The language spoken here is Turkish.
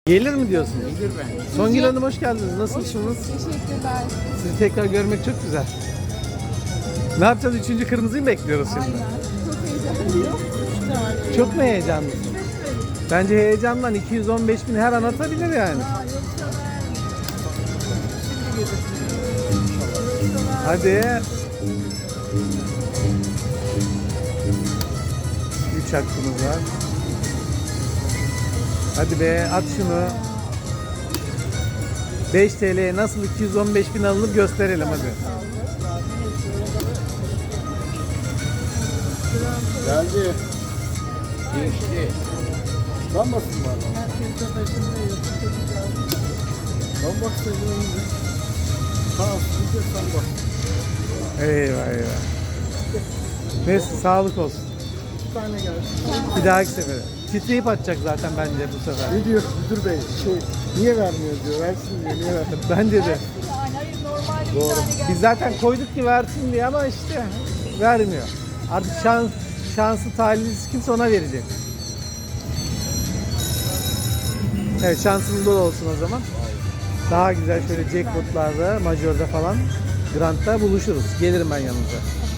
Gelir mi diyorsunuz? Gelir ben. Songül Hanım hoş geldiniz. Nasılsınız? Teşekkürler. Sizi tekrar görmek çok güzel. Ne yapacağız? Üçüncü kırmızıyı mı bekliyoruz şimdi? Aynen. Çok heyecanlıyım. Çok mu heyecanlısın? Bence heyecandan 215 bin her an atabilir yani. Hadi. 3 hakkımız var. Hadi be at şunu. 5 TL'ye nasıl 215 bin alınıp gösterelim hadi. Geldi. Geçti. Lanmasın var. Lan bak sen önünde. Tamam, bir sen bak. Eyvah eyvah. Neyse sağlık olsun. Bir tane geldi. Bir dahaki sefere. Titreyip atacak zaten bence bu sefer. Ne diyor müdür bey? Niye vermiyor diyor. Versin diyor. Niye vermiyor? Bence de. Hayır normalde Doğru. bir tane geldi. Biz zaten koyduk ki versin diye ama işte vermiyor. Artık şansı talihsiz kimse ona verecek. Evet şansımız bol olsun o zaman. Daha güzel şöyle jackpotlarda, majorda falan, grand'da buluşuruz. Gelirim ben yanınıza.